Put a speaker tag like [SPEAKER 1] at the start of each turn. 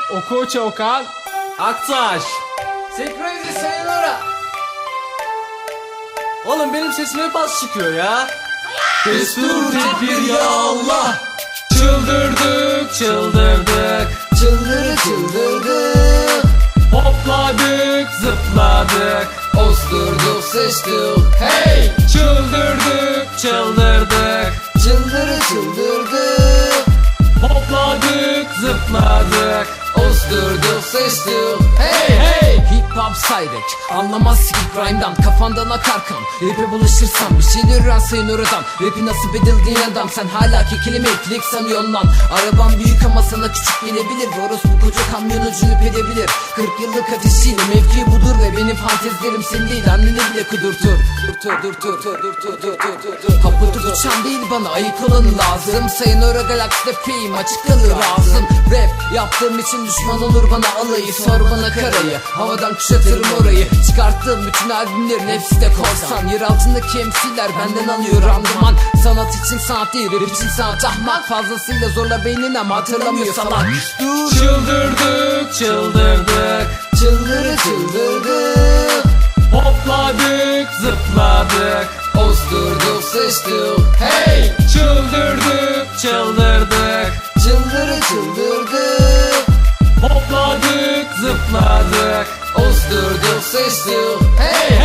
[SPEAKER 1] Oku Okan
[SPEAKER 2] Aktaş.
[SPEAKER 3] Senkronize sayılara.
[SPEAKER 2] Oğlum benim sesim hep az çıkıyor ya.
[SPEAKER 1] Destur tedbir ya Allah. Çıldırdık çıldırdık,
[SPEAKER 3] Çıldırdık.
[SPEAKER 1] hopladık zıpladık,
[SPEAKER 3] Osturduk seçtik. Hey.
[SPEAKER 1] çıldırdık çıldırdık,
[SPEAKER 3] Çıldırdık.
[SPEAKER 1] hopladık zıpladık.
[SPEAKER 3] Osturduk seçtik. Hey hey. Hip hop sayrek anlamaz ki grime'dan, kafandan akar kan. Rap'e bulaşırsan bir şeyler öğrenseyin oradan. Rap'i nasıl bedildiğin adam, sen hala ki kelime eklik sanıyorsun lan. Araban büyük ama sana küçük gelebilir. Orospu koca kamyonu cünüp edebilir. 40 yıllık ateşiyle mevki budur ve benim fantezilerim senin değil, anneni bile kudurtur. Kapıdır uçan değil, bana ayık olanı lazım. Sayın Ora galakside fame açık kalır ağzım. Rap yaptığım için düşman olur bana alayı. Sor bana karayı, havadan kuşatırım orayı. Çıkarttığım bütün albümlerin hepsi de korsan. Yer altındaki MC'ler benden alıyor randıman. Sanat için sanat değil, rap için sanat. Ahmak fazlasıyla zorla beynin ama hatırlamıyor salak. Dur.
[SPEAKER 1] Çıldırdık çıldırdık,
[SPEAKER 3] Çıldırdık.
[SPEAKER 1] hopladık zıpladık,
[SPEAKER 3] Osturduk seçtik. Hey.
[SPEAKER 1] çıldırdık çıldırdık,
[SPEAKER 3] Çıldırdık.
[SPEAKER 1] hopladık zıpladık,
[SPEAKER 3] Osturduk seçtik. Hey.